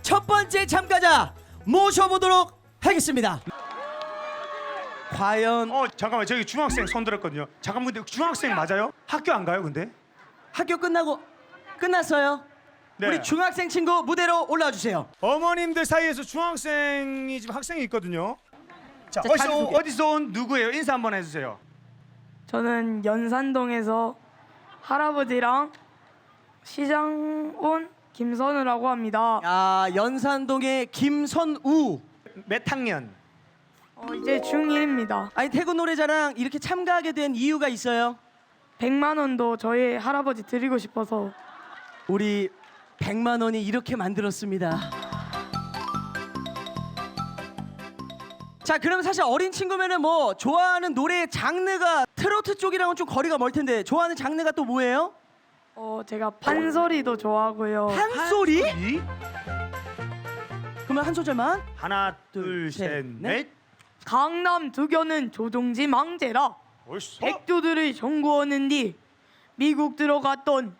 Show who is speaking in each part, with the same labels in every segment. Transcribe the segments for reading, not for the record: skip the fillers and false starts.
Speaker 1: 첫 번째 참가자 모셔보도록 하겠습니다. 과연
Speaker 2: 잠깐만, 저기 중학생 손 들었거든요. 잠깐만, 근데 중학생 맞아요? 학교 안 가요, 근데?
Speaker 1: 학교 끝났어요?
Speaker 2: 네.
Speaker 1: 우리 중학생 친구 무대로 올라와 주세요.
Speaker 2: 어머님들 사이에서 중학생이 지금 학생이 있거든요. 자,
Speaker 1: 자, 자기소개.
Speaker 2: 어디서 온 누구예요? 인사 한번 해주세요.
Speaker 3: 저는 연산동에서 할아버지랑 시장 온 김선우라고 합니다.
Speaker 1: 연산동의 김선우.
Speaker 2: 몇 학년?
Speaker 3: 이제 중1입니다.
Speaker 1: 아니 태국 노래자랑 이렇게 참가하게 된 이유가 있어요?
Speaker 3: 100만 원도 저희 할아버지 드리고 싶어서.
Speaker 1: 우리 100만 원이 이렇게 만들었습니다. 자, 그럼 사실 어린 친구면은 뭐 좋아하는 노래 장르가 트로트 쪽이랑은 좀 거리가 멀 텐데 좋아하는 장르가 또 뭐예요?
Speaker 3: 제가 판소리도 좋아하고요.
Speaker 1: 판소리?
Speaker 2: 이?
Speaker 1: 그러면 한 소절만.
Speaker 2: 하나,
Speaker 1: 둘,
Speaker 2: 둘,
Speaker 1: 셋,
Speaker 2: 셋,
Speaker 1: 넷.
Speaker 2: 넷.
Speaker 3: 강남 두교는 조종지 망제라
Speaker 2: 옳소.
Speaker 3: 백두들을 정구었는디 미국 들어갔던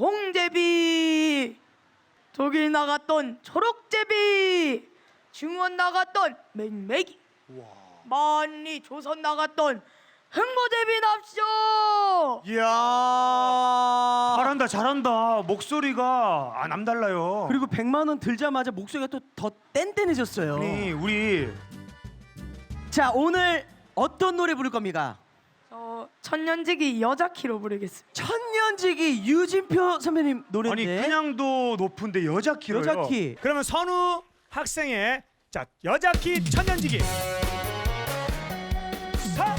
Speaker 3: 분홍제비 독일 나갔던 초록제비 중원 나갔던 맹맹이 만리 조선 나갔던 흥보제비 납쇼.
Speaker 1: 이야.
Speaker 2: 잘한다. 목소리가 남달라요.
Speaker 1: 그리고 100만 원 들자마자 목소리가 또 더 뗀뗀해졌어요.
Speaker 2: 아니, 우리
Speaker 1: 자, 오늘 어떤 노래 부를 겁니까?
Speaker 3: 천년지기 여자키로 부르겠습니다.
Speaker 1: 천년지기 유진표 선배님
Speaker 2: 아니
Speaker 1: 노래인데.
Speaker 2: 그냥도 높은데 여자 키로요.
Speaker 1: 여자 키.
Speaker 2: 그러면 선우 학생의 자 여자 키 천년지기. 사.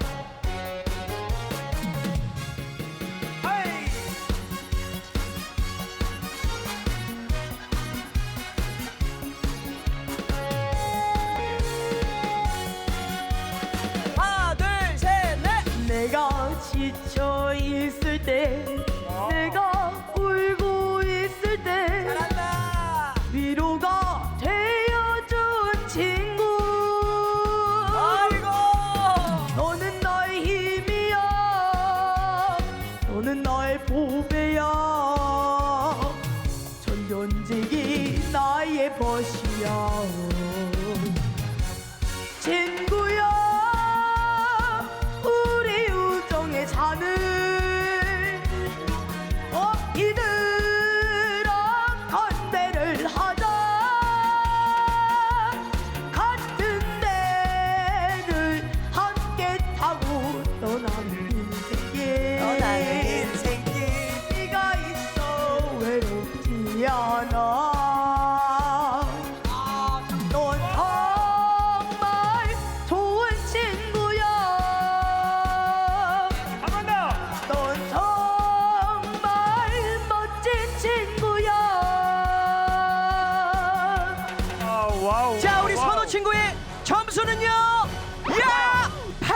Speaker 2: 하이.
Speaker 1: 하나, 둘, 셋, 넷.
Speaker 3: 내가 지쳐 있을 때 내가 울고 있을 때
Speaker 1: 잘한다.
Speaker 3: 위로가 되어준 친구.
Speaker 1: 아이고.
Speaker 3: 너는 나의 힘이야. 너는 나의 보배야. 천년지기 나의 벗이야. 친구야 우리 우정의 잔을 이들아 건배를 하자. 같은 배를 함께 타고 떠나는 인생길. 네가 있어 외롭지 않아. 넌 정말 좋은 친구야.
Speaker 2: 한 번 더.
Speaker 3: 넌 정말 멋진 친구야.
Speaker 2: 와우.
Speaker 1: 자, 우리
Speaker 2: 와우.
Speaker 1: 선우 친구의 점수는요. 야!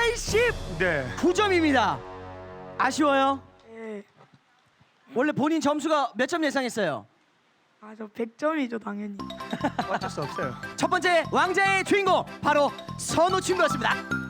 Speaker 1: 89점입니다.
Speaker 2: 네.
Speaker 1: 아쉬워요?
Speaker 3: 네.
Speaker 1: 원래 본인 점수가 몇 점 예상했어요?
Speaker 3: 저 100점이죠 당연히.
Speaker 2: 어쩔 수 없어요.
Speaker 1: 첫 번째 왕자의 주인공 바로 선우 친구였습니다.